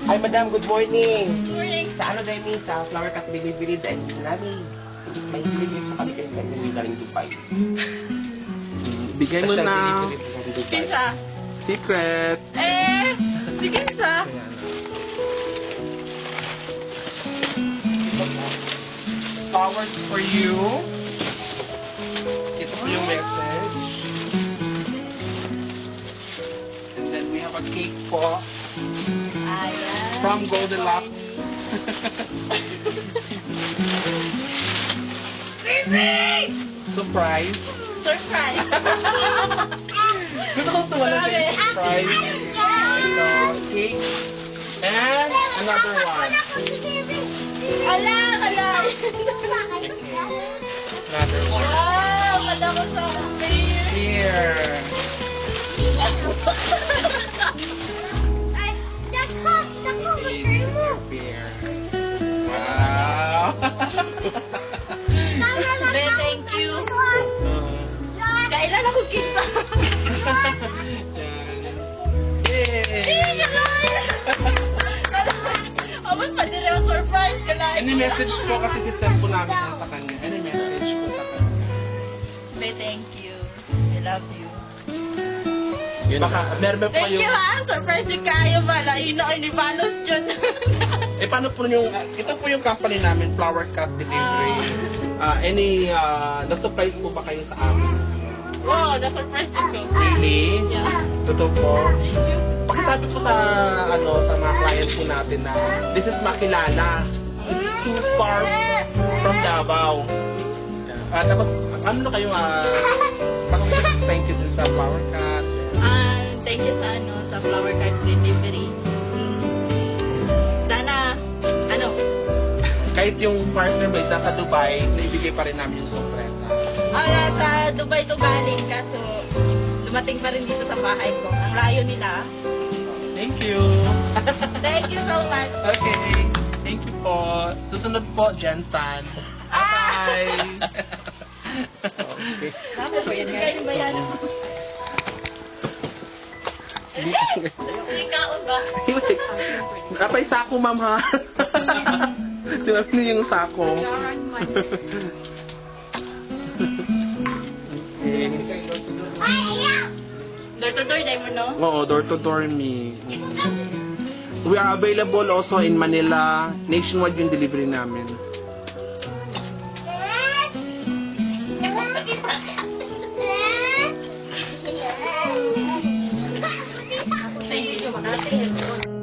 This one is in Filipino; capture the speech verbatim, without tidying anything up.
Hi, madam. Good morning. Good morning. Sa ano dahil mi? Sa flower cut delivery dahil namin. May delivery po kami kayo sa inyo galing Dubai. Bigay mo Special na. delivery po from Dubai. Kinsa? Secret. Eh, si Kinsa? Flowers for you. Ito po yung message. And then we have a cake po Ayan. from Goldilocks. Sisig! Surprise. Surprise! Gusto kong tuwala sa yung surprise. Ito, cake. And another one. Ala, ala! Another one. Wow! Kala ko sa beer! Here. Okay, this is your beer. Wow. Be, thank you. Kailan ako kita? Yay! Abot pa din ang surprise ka lang. Any message po kasi system po namin yan sa kanya. Any message po sa kanya. Be, thank you. I love you. Baka, meron ba po Thank kayo? you ha! Surprise yung kayo ba? Layo na kayo ni Balos dyan. Eh, paano po yung, uh, ito po yung company namin, Flower Cut Delivery. Uh, any, uh, na-surprise po ba kayo sa amin? Wow, na-surprise ko. Really? Yeah. Totoo po. Thank you. Pakisabi po sa, ano, sa mga client po natin na this is Makilala. It's too far from Davao. Uh, tapos, ano na kayo, ah, uh, thank you din sa Flower Cut. Ah, thank you sa ano, sa flower card delivery. Sana, ano, Kahit yung partner ba isa sa Dubai, naibigay pa rin namin yung sorpresa. ah, sa Dubai to galing, kaso dumating pa rin dito sa bahay ko. Ang layo nila. Thank you. Thank you so much. Okay. Thank you po. Susunod po, Jensan. Bye-bye. Okay. Tama ba yan? Kaya ba yan? Sikaon ba? Kapay sako, ma'am, ha? Tinabi niyo yung sako. Okay. Door to door, dahil mo, no? Oo, door to door me. We are available also in Manila. Nationwide yung delivery namin. Thank you.